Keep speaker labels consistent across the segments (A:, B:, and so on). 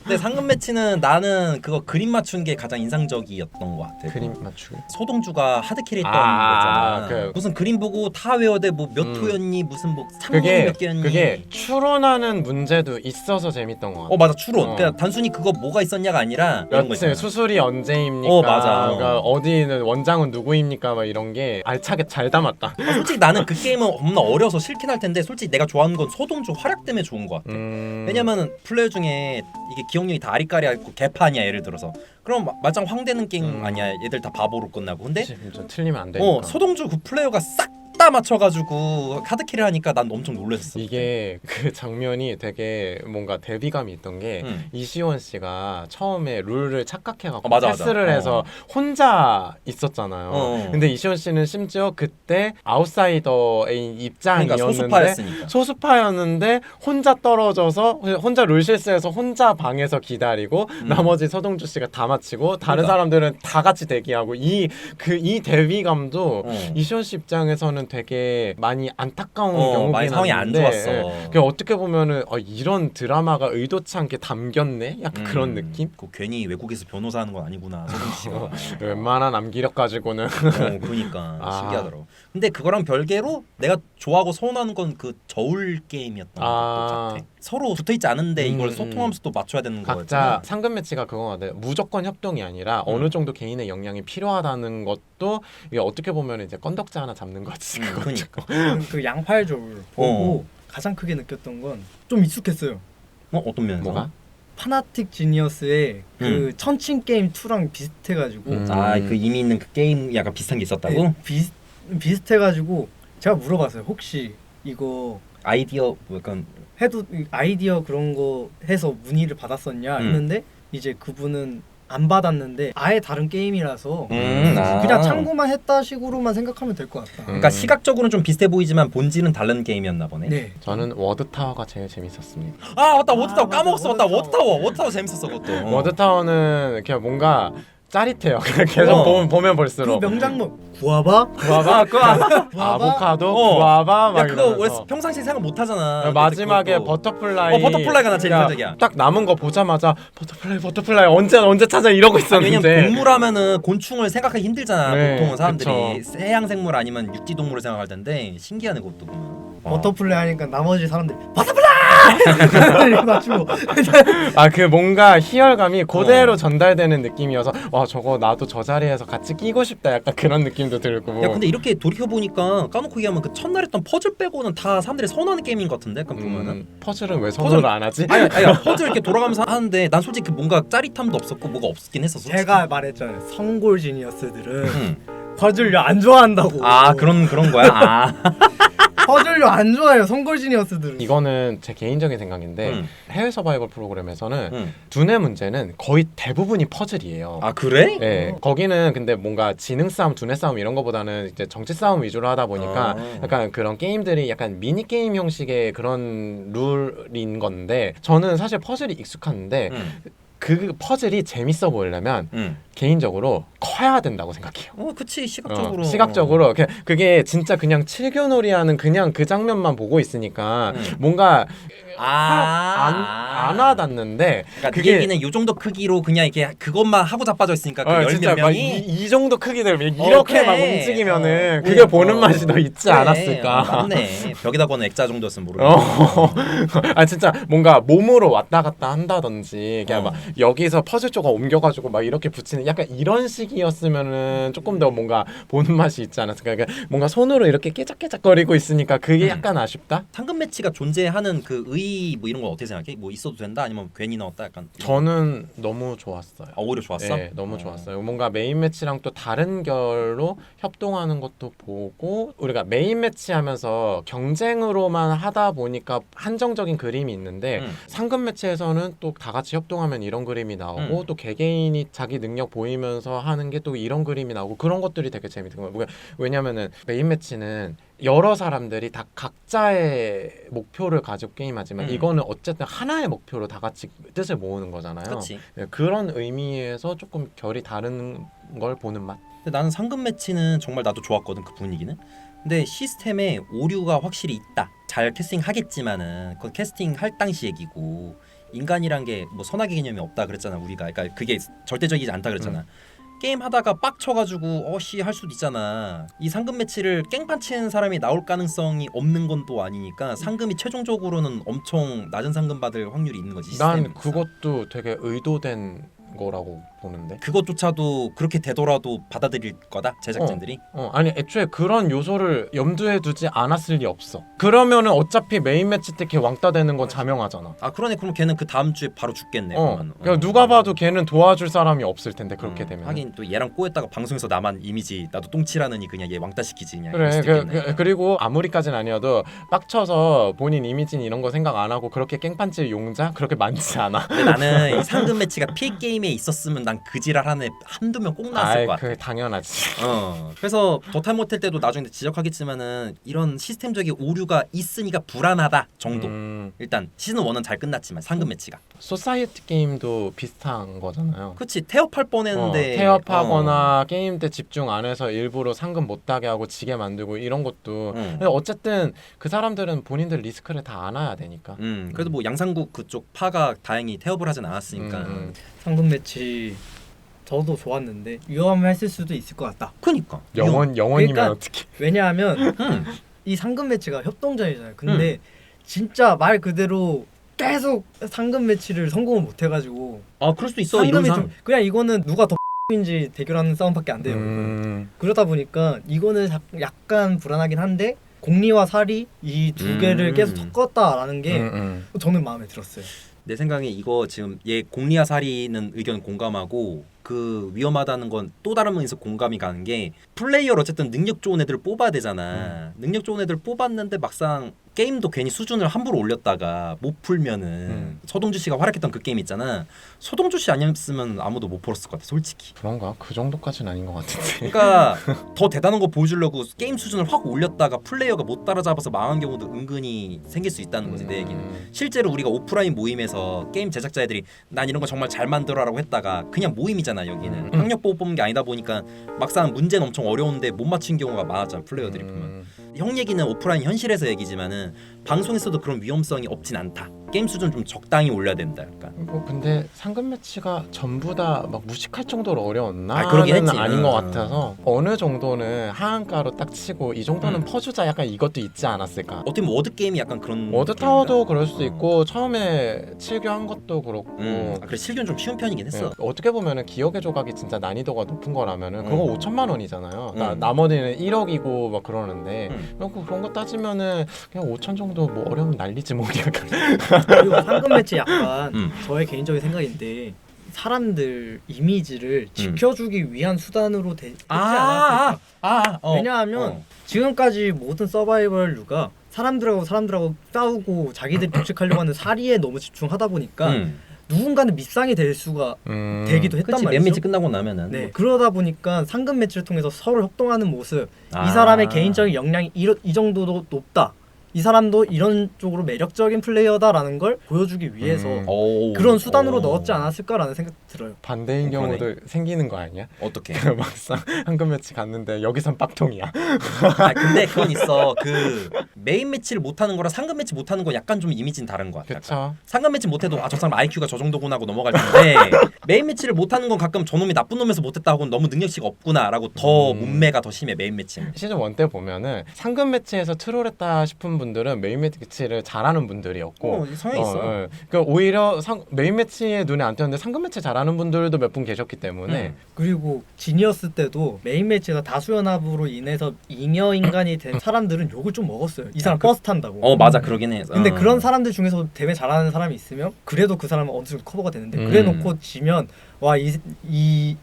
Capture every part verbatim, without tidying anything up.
A: 근데 상금 매치는 나는 그거 그림 맞춘 게 가장 인상적이었던 것 같아.
B: 그림 맞추기.
A: 소동주가 하드캐리 했던
B: 아,
A: 거잖아.
B: 그-
A: 무슨 그림 보고 다 외워야 돼. 뭐 몇
B: 음.
A: 호였니? 무슨 뭐 상문이
B: 그게
A: 몇 개였니?
B: 그게 추론하는 문제도 있어서 재밌던 것 같아.
A: 어 맞아 추론.
B: 어.
A: 그냥 단순히 그거 뭐가 있었냐가 아니라 이런 거
B: 여튼
A: 있잖아.
B: 수술이 언제입니까?
A: 어, 맞아.
B: 그러니까 어디는 원장은 누구입니까? 막 이런 게 알차게 잘 담았다.
A: 아, 솔직히 나는 그 게임은 겁나 어려서 싫긴 할 텐데 솔직히 내가 좋아하는 건 소동주 활약 때문에 좋은 것 같아.
B: 음...
A: 왜냐면은 플레이어 중에 이게 기억력이 다 아리까리하고 개판이야 예를 들어서. 그럼 마- 말짱 황되는 게임
B: 음.
A: 아니야. 얘들 다 바보로 끝나고. 근데
B: 진짜 틀리면 안 되니까.
A: 어 소동주 그 플레이어가 싹 다 맞춰가지고 카드키를 하니까 난 엄청 놀랐어.
B: 이게 그 장면이 되게 뭔가 대비감이 있던 게
A: 응.
B: 이시원 씨가 처음에 룰을 착각해갖고
A: 어, 맞아,
B: 패스를
A: 맞아.
B: 해서
A: 어.
B: 혼자 있었잖아요.
A: 어.
B: 근데 이시원 씨는 심지어 그때 아웃사이더의 입장이었는데
A: 그러니까 소수파였으니까.
B: 소수파였는데 혼자 떨어져서 혼자 룰 실수해서 혼자 방에서 기다리고
A: 음.
B: 나머지 서동주 씨가 다 마치고 다른
A: 그러니까.
B: 사람들은 다 같이 대기하고 이 그 이 대비감도
A: 어.
B: 이시원 씨 입장에서는 되게 많이 안타까운
A: 어,
B: 경우긴
A: 많이 상황이 안
B: 한데,
A: 좋았어.
B: 예. 그 어떻게 보면은 어, 이런 드라마가 의도치 않게 담겼네, 약간
A: 음,
B: 그런 느낌.
A: 그 괜히 외국에서 변호사 하는 건 아니구나 소동주 씨가.
B: 웬만한 암기력 가지고는
A: 어, 그러니까
B: 아.
A: 신기하더라고. 근데 그거랑 별개로 내가 좋아하고 서운한 건 그 저울 게임이었던
B: 아.
A: 것 같아. 서로 붙어 있지 않은데 이걸
B: 음,
A: 소통하면서 또 맞춰야 되는
B: 각자
A: 거였잖아.
B: 상금 매치가 그거 같아요. 무조건 협동이 아니라
A: 음.
B: 어느 정도 개인의 역량이 필요하다는 것도 이게 어떻게 보면 이제 건덕지 하나 잡는 거지.
A: 음,
B: 그거.
A: 그러니까.
C: 그 양팔 저울 보고 가장 크게 느꼈던 건 좀 익숙했어요.
A: 어 어떤 면에서?
B: 뭐가?
C: 파나틱 지니어스의 그
A: 음.
C: 천칭 게임 이랑 비슷해가지고
B: 음.
A: 아그 이미 있는 그 게임 약간 비슷한 게 있었다고?
C: 네, 비슷 비슷해가지고 제가 물어봤어요. 혹시 이거
A: 아이디어 뭐 약간
C: 해도 아이디어 그런 거 해서 문의를 받았었냐
A: 음.
C: 했는데 이제 그분은 안 받았는데 아예 다른 게임이라서
A: 음, 아.
C: 그냥 참고만 했다 식으로만 생각하면 될 것 같다.
A: 그러니까
B: 음.
A: 시각적으로는 좀 비슷해 보이지만 본질은 다른 게임이었나 보네.
C: 네.
B: 저는 워드 타워가 제일 재밌었습니다.
A: 아 맞다 워드타워
C: 아, 맞아,
A: 까먹었어. 맞다
C: 워드타워.
A: 워드타워 워드타워 재밌었어 그것도. 어.
B: 워드 타워는 그냥 뭔가 짜릿해요. 계속
A: 어.
B: 보면, 보면
C: 그
B: 볼수록.
C: 명장면 구아바
B: 구아바,
A: 그거
B: 아보카도,
A: 어.
B: 구아바 막
A: 야 그거 원래
B: 이러면서.
A: 평상시에 생각 못 하잖아.
B: 마지막에
A: 그것도.
B: 버터플라이.
A: 어, 버터플라이가 나 제일
B: 그러니까
A: 인상적이야.
B: 딱 남은 거 보자마자 버터플라이, 버터플라이 언제 언제 찾아 이러고
A: 아니,
B: 있었는데.
A: 왜냐면 동물하면은 곤충을 생각하기 힘들잖아.
B: 네,
A: 보통은 사람들이
B: 그쵸.
A: 해양 생물 아니면 육지 동물을 생각할 텐데 신기하네 그것도 보면.
C: 버터플라이 하니까 나머지 사람들이 버터플라이 이렇게 맞추고
B: 아 그 뭔가 희열감이 그대로
A: 어.
B: 전달되는 느낌이어서 와 저거 나도 저 자리에서 같이 끼고 싶다 약간 그런 느낌도 들고.
A: 야 근데 이렇게 돌이켜 보니까 까놓고 얘기하면 그 첫날 했던 퍼즐 빼고는 다 사람들이 선호하는 게임인 것 같은데 약간 보면은.
B: 음, 퍼즐은 왜 선호를 안 하지?
A: 아니 아니 퍼즐 이렇게 돌아가면서 하는데 난 솔직히 뭔가 짜릿함도 없었고 뭐가 없긴 했었어.
C: 제가 말했잖아요. 성골 지니어스들은
A: 응.
C: 퍼즐류 안 좋아한다고.
A: 아 그런 그런 거야. 아.
C: 퍼즐류 안 좋아해요. 성골 지니어스들은.
B: 이거는 제 개인적인 생각인데
A: 응.
B: 해외 서바이벌 프로그램에서는
A: 응.
B: 두뇌 문제는 거의 대부분이 퍼즐이에요.
A: 아 그래?
B: 예, 거기는 근데 뭔가 지능 싸움, 두뇌 싸움 이런 거보다는 이제 정치 싸움 위주로 하다 보니까
A: 아.
B: 약간 그런 게임들이 약간 미니 게임 형식의 그런 룰인 건데 저는 사실 퍼즐이 익숙한데
A: 응.
B: 그 퍼즐이 재밌어 보이려면
A: 응.
B: 개인적으로 커야 된다고 생각해요.
A: 어 그치 시각적으로.
B: 어, 시각적으로 그- 그게 진짜 그냥 칠교놀이하는 그냥 그 장면만 보고 있으니까
A: 응.
B: 뭔가
A: 아.
B: 안, 안 와닿는데
A: 그러니까
B: 그게-
A: 그 얘기는 요 정도 크기로 그냥 이렇게 그것만 하고 자빠져 있으니까 그
B: 어,
A: 열
B: 진짜
A: 몇
B: 막
A: 명이
B: 이, 이 정도 크기들 이렇게
A: 어, 그래.
B: 막 움직이면은
A: 어,
B: 그게
A: 어,
B: 보는
A: 어.
B: 맛이 더 있지
A: 그래.
B: 않았을까.
A: 어, 맞네. 벽에다 거는 액자 정도였으면
B: 어,
A: 모르겠네.
B: 아 진짜 뭔가 몸으로 왔다 갔다 한다든지 그냥
A: 어.
B: 막 여기서 퍼즐 조각 옮겨가지고 막 이렇게 붙이는 약간 이런 식이었으면은 조금 더 뭔가 보는 맛이 있지 않았을까. 그러니까 뭔가 손으로 이렇게 깨작깨작거리고 있으니까 그게
A: 음.
B: 약간 아쉽다.
A: 상금 매치가 존재하는 그 의 뭐 이런 건 어떻게 생각해? 뭐 있어도 된다 아니면 괜히 나왔다 약간.
B: 저는 너무 좋았어요.
A: 아, 오히려 좋았어?
B: 네, 너무
A: 어.
B: 좋았어요. 뭔가 메인 매치랑 또 다른 결로 협동하는 것도 보고 우리가 메인 매치 하면서 경쟁으로만 하다 보니까 한정적인 그림이 있는데
A: 음.
B: 상금 매치에서는 또 다 같이 협동하면 이런 그림이 나오고
A: 음.
B: 또 개개인이 자기 능력 보이면서 하는 게 또 이런 그림이 나오고 그런 것들이 되게 재밌는 거예요. 왜냐면은 메인 매치는 여러 사람들이 다 각자의 목표를 가지고 게임하지만
A: 음.
B: 이거는 어쨌든 하나의 목표로 다 같이 뜻을 모으는 거잖아요.
A: 그렇지.
B: 네, 그런 의미에서 조금 결이 다른 걸 보는 맛.
A: 근데 나는 상금 매치는 정말 나도 좋았거든 그 분위기는. 근데 시스템에 오류가 확실히 있다. 잘 캐스팅 하겠지만은 그 캐스팅 할 당시 얘기고 인간이란 게 뭐 선악의 개념이 없다 그랬잖아 우리가. 그러니까 그게 절대적이지 않다 그랬잖아. 음. 게임 하다가 빡쳐가지고 어씨 할 수도 있잖아. 이 상금 매치를 깽판 치는 사람이 나올 가능성이 없는 건 또 아니니까 상금이 최종적으로는 엄청 낮은 상금 받을 확률이 있는 거지.
B: 난
A: 시스템에서.
B: 그것도 되게 의도된 거라고 보는데.
A: 그것조차도 그렇게 되더라도 받아들일 거다 제작진들이.
B: 어, 아니 애초에 그런 요소를 염두에 두지 않았을 리 없어. 그러면은 어차피 메인 매치 때 걔 왕따 되는 건 자명하잖아.
A: 아 그러네. 그럼 걔는 그 다음 주에 바로 죽겠네.
B: 어,
A: 그러면.
B: 그러니까
A: 어.
B: 누가 봐도 걔는 도와줄 사람이 없을 텐데 그렇게
A: 음,
B: 되면.
A: 하긴 또 얘랑 꼬였다가 방송에서 나만 이미지 나도 똥칠하느니 그냥 얘 왕따 시키지 그냥.
B: 그래.
A: 이럴 수도
B: 그,
A: 있겠네.
B: 그, 그리고 아무리까지는 아니어도 빡쳐서 본인 이미진 이런 거 생각 안 하고 그렇게 깽판질 용자 그렇게 많지 않아.
A: 근데 나는 이 상금 매치가 피해 게임에 있었으면 난 그 지랄 하는 애 한두 명 꼭 나왔을
B: 아이,
A: 것 같아.
B: 그 당연하지.
A: 어. 그래서 더탈 못할 때도 나중에 지적하겠지만은 이런 시스템적인 오류가 있으니까 불안하다 정도.
B: 음,
A: 일단 시즌 일은 잘 끝났지만 상금 매치가.
B: 소사이어티 게임도 비슷한 거잖아요.
A: 그치 태업할 뻔했는데.
B: 어, 태업하거나 게임 때 집중 안 해서 일부러 상금 못 따게 하고 지게 만들고 이런 것도.
A: 응.
B: 근데 어쨌든 그 사람들은 본인들 리스크를 다 안아야 되니까.
A: 음. 그래도 뭐 양상국 그쪽 파가 다행히 태업을 하진 않았으니까.
B: 음, 음.
C: 상금 매치 저도 좋았는데 위험했을 수도 있을 것 같다.
A: 그니까.
B: 영원 영원이면
C: 그러니까
B: 어떻게?
C: 왜냐하면
A: 음.
C: 이 상금 매치가 협동전이잖아요. 근데 진짜 말 그대로 계속 상금 매치를 성공을 못 해가지고
A: 아 그럴 수도 있어
C: 상금이
A: 이론상.
C: 좀 그냥 이거는 누가 더 인지 대결하는 싸움밖에 안 돼요.
B: 음,
C: 그러다 보니까 이거는 자- 약간 불안하긴 한데 공리와 사리 이 두
A: 음.
C: 개를 계속 섞었다라는 게
B: 음, 음.
C: 저는 마음에 들었어요.
A: 내 생각에 이거 지금 얘 공리와 사리는 의견 공감하고 그 위험하다는 건 또 다른 면에서 공감이 가는 게 플레이어를 어쨌든 능력 좋은 애들을 뽑아야 되잖아. 능력 좋은 애들 뽑았는데 막상 게임도 괜히 수준을 함부로 올렸다가 못 풀면은
B: 음.
A: 서동주 씨가 활약했던 그 게임 있잖아. 서동주 씨 아니었으면 아무도 못 풀었을 것 같아 솔직히.
B: 그런가? 그 정도까지는 아닌 것 같은데.
A: 그러니까 더 대단한 거 보여주려고 게임 수준을 확 올렸다가 플레이어가 못 따라잡아서 망한 경우도 은근히 생길 수 있다는 거지 내 얘기는.
B: 음.
A: 실제로 우리가 오프라인 모임에서 게임 제작자 애들이 난 이런 거 정말 잘 만들어라고 했다가 그냥 모임이잖아 여기는.
B: 음.
A: 학력 보고 뽑은 게 아니다 보니까 막상 문제는 엄청 어려운데 못 맞힌 경우가 많았잖아 플레이어들이 보면.
B: 음.
A: 형 얘기는 오프라인 현실에서 얘기지만은 방송에서도 그런 위험성이 없진 않다. 게임 수준 좀 적당히 올려야 된다. 약간.
B: 뭐 근데 상금 매치가 전부 다 막 무식할 정도로 어려웠나?
A: 아, 그러긴 했지.
B: 아닌 것
A: 음.
B: 같아서 어느 정도는 하한가로 딱 치고 이 정도는
A: 음.
B: 퍼주자 약간 이것도 있지 않았을까?
A: 어떻게 보면 워드 게임이 약간 그런.
B: 워드 타워도
A: 게임이다.
B: 그럴 수도
A: 어.
B: 있고 처음에 칠교한 것도 그렇고
A: 음. 아, 그래 실기는 좀 쉬운 편이긴 했어.
B: 네, 어떻게 보면은 기억의 조각이 진짜 난이도가 높은 거라면은 그거
A: 음.
B: 오천만 원이잖아요. 나,
A: 음.
B: 나머지는 일억이고 막 그러는데
A: 음.
B: 그런 거- 그런 거 따지면은 그냥 오천 정도 뭐 어려우면 난리지 뭐 약간.
C: 그리고 상금 매치 약간
A: 음.
C: 저의 개인적인 생각인데 사람들 이미지를 지켜주기 위한 수단으로 되, 되지 않았을까?
A: 아, 아, 어.
C: 왜냐하면
A: 어.
C: 지금까지 모든 서바이벌류가 사람들하고 사람들하고 싸우고 자기들이 독식하려고 하는 사리에 너무 집중하다 보니까
A: 음.
C: 누군가는 밉상이 될 수가
B: 음.
C: 되기도 했단
A: 그치
C: 말이죠.
A: 몇 매치 끝나고 나면은.
C: 네,
A: 뭐.
C: 그러다 보니까 상금 매치를 통해서 서로 협동하는 모습,
A: 아.
C: 이 사람의 개인적인 역량이 이, 이 정도도 높다. 이 사람도 이런 쪽으로 매력적인 플레이어다라는 걸 보여주기 위해서
B: 음.
A: 오.
C: 그런 수단으로
A: 오.
C: 넣었지 않았을까라는 생각 들어요.
B: 반대인
A: 어, 그러네.
B: 경우도 생기는 거 아니야?
A: 어떻게?
B: 막상 한금 매치 갔는데 여기선 빡통이야.
A: 아 근데 그건 있어. 그 메인 매치를 못하는 거랑 상금 매치 못하는 거 약간 좀 이미지는 다른 거 같아. 약간.
B: 그쵸?
A: 상금 매치 못해도 아 저 사람 아이큐가 저 정도구나 하고 넘어갈 텐데 메인 매치를 못하는 건 가끔 저놈이 나쁜 놈에서 못했다 하고는 너무 능력치가 없구나라고 더
B: 음.
A: 문매가 더 심해 메인 매치는.
B: 시즌 일 때 보면은 상금 매치에서 트롤했다 싶은 분들은 메인 매치를 잘하는 분들이었고
A: 어, 성향 있어.
B: 예. 그러니까 오히려 상, 메인 매치에 눈에 안 띄었는데 상금 매치 잘하는 분들도 몇 분 계셨기 때문에
A: 음.
C: 그리고 지니어스 때도 메인 매치가 다수연합으로 인해서 잉여 인간이 된 사람들은 욕을 좀 먹었어요. 이 사람
A: 그-
C: 버스 탄다고.
A: 어 맞아 그러긴 해.
C: 근데
A: 어.
C: 그런 사람들 중에서 대회 잘하는 사람이 있으면 그래도 그 사람은 어느 정도 커버가 되는데
B: 음.
C: 그래놓고 지면 와이이 이,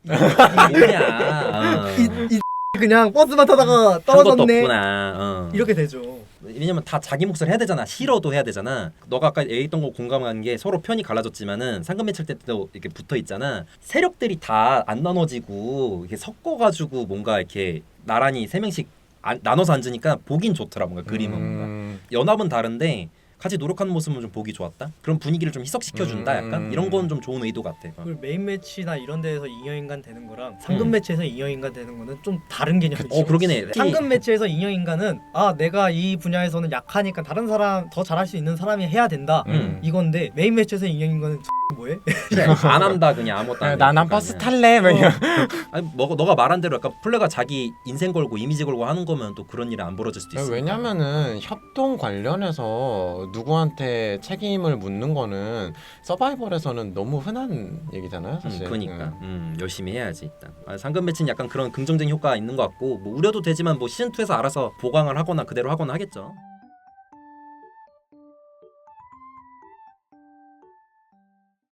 A: 뭐냐. 어.
C: 이, 이 그냥 버스만 타다가
A: 한 것도
C: 떨어졌네
A: 없구나. 어.
C: 이렇게 되죠.
A: 왜냐면 다 자기 몫을 해야 되잖아. 싫어도 해야 되잖아. 너가 아까 얘기했던 거 공감한 게 서로 편이 갈라졌지만은 상금 매칠 때도 이렇게 붙어 있잖아. 세력들이 다 안 나눠지고 이렇게 섞어가지고 뭔가 이렇게 나란히 세 명씩 안, 나눠서 앉으니까 보긴 좋더라. 뭔가 그림은 뭔가.
B: 음,
A: 연합은 다른데 같이 노력하는 모습은 좀 보기 좋았다. 그런 분위기를 좀 희석시켜준다.
B: 음.
A: 약간 이런 건 좀 좋은 의도 같아. 어.
C: 그리고 메인 매치나 이런 데에서 잉여인간 되는 거랑 상금
A: 음.
C: 매치에서 잉여인간 되는 거는 좀 다른 개념이지.
A: 어 그러긴 해.
C: 상금 매치에서 잉여인간은 아 내가 이 분야에서는 약하니까 다른 사람 더 잘할 수 있는 사람이 해야 된다
A: 음.
C: 이건데 메인 매치에서 잉여인간은 뭐해?
A: 그냥 안 한다 그냥 아무것도 안 해.
B: 난한 버스 탈래. 뭐 이런.
A: 아니 뭐 너가 말한 대로 약간 플레가 자기 인생 걸고 이미지 걸고 하는 거면 또 그런 일이 안 벌어질 수도 있어.
B: 왜냐면은 협동 관련해서 누구한테 책임을 묻는 거는 서바이벌에서는 너무 흔한 얘기잖아요,
A: 음,
B: 사실.
A: 그러니까 음, 열심히 해야지 일단. 아, 상금 매치는 약간 그런 긍정적인 효과가 있는 것 같고 뭐 우려도 되지만 뭐 시즌 투에서 알아서 보강을 하거나 그대로 하거나 하겠죠.